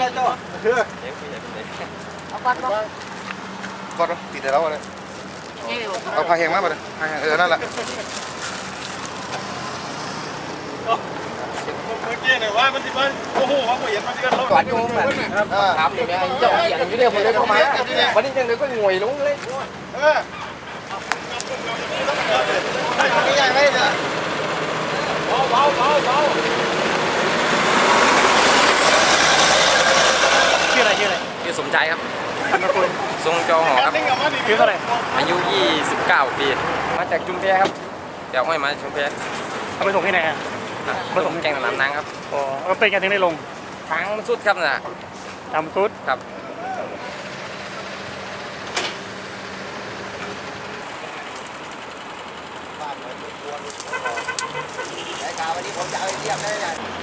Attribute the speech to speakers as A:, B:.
A: ได้เจ้าเชื่อ
B: เอาก่อนบ่
A: ก่อนติดแต่เราเลยเอาผ้าแห้งมาเลยผ้าแห้งนั่นแหละ
C: เมื่อกี้เนี่ยว่ามันที่มันโอ้โหเขาเห็นมันที่กัน
B: ก่อนอยู่แบบถามอย่างเงี้ยเจ้าอย่างอยู่เนี่ยผมเลยเข้ามาวันนี้ยังเลยก็งวยลงเลย
A: ไม่ใหญ่ไม่เนี่ย
C: เบา
B: ชื่ออะไร
D: ชื่อสมใจครับ
B: พันธุ์คุณ
D: ทรงจอหอครับ
B: ชื่อเท่าไหร่
D: อายุ 29 ปี มาจากจุมแพครับเดี๋ยวห้อยมาจุมแพ
B: เอาไปส่งที่ไหนอ่ะ
D: ผสมแกงสนามนางครับ
B: อ๋อเป็นกันถึงได้ลง
D: ทางมันสุดครับน่ะ
B: ทำซุด
D: ครับ
A: รายการวันนี้ผมจะเอาไปเทียบได้ไง